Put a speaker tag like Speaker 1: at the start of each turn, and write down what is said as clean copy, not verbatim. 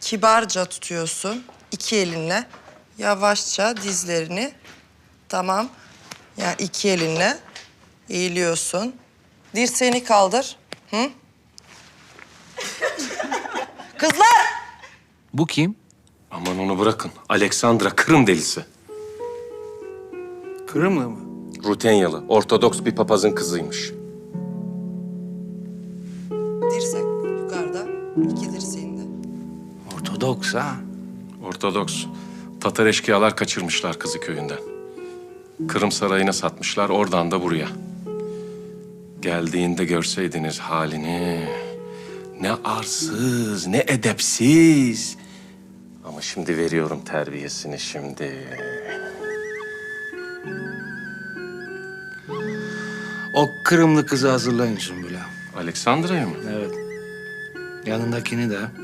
Speaker 1: kibarca tutuyorsun. İki elinle. Yavaşça dizlerini. Tamam. Yani iki elinle eğiliyorsun. Dirseğini kaldır. Hı? Kızlar!
Speaker 2: Bu kim?
Speaker 3: Aman onu bırakın. Alexandra Kırım delisi.
Speaker 2: Kırımlı mı?
Speaker 3: Rutenyalı, Ortodoks bir papazın kızıymış.
Speaker 1: Dirsek yukarıda. İki dirseğinde.
Speaker 2: Ortodoks ha.
Speaker 3: Ortodoks. Tatar eşkıyalar kaçırmışlar kızı köyünden. Kırım Sarayı'na satmışlar, oradan da buraya. Geldiğinde görseydiniz halini. Ne arsız, ne edepsiz. Ama şimdi veriyorum terbiyesini şimdi.
Speaker 2: O Kırımlı kızı hazırlayın Sümbül'e.
Speaker 3: Alexandra'ya mı?
Speaker 2: Evet. Yanındakini de.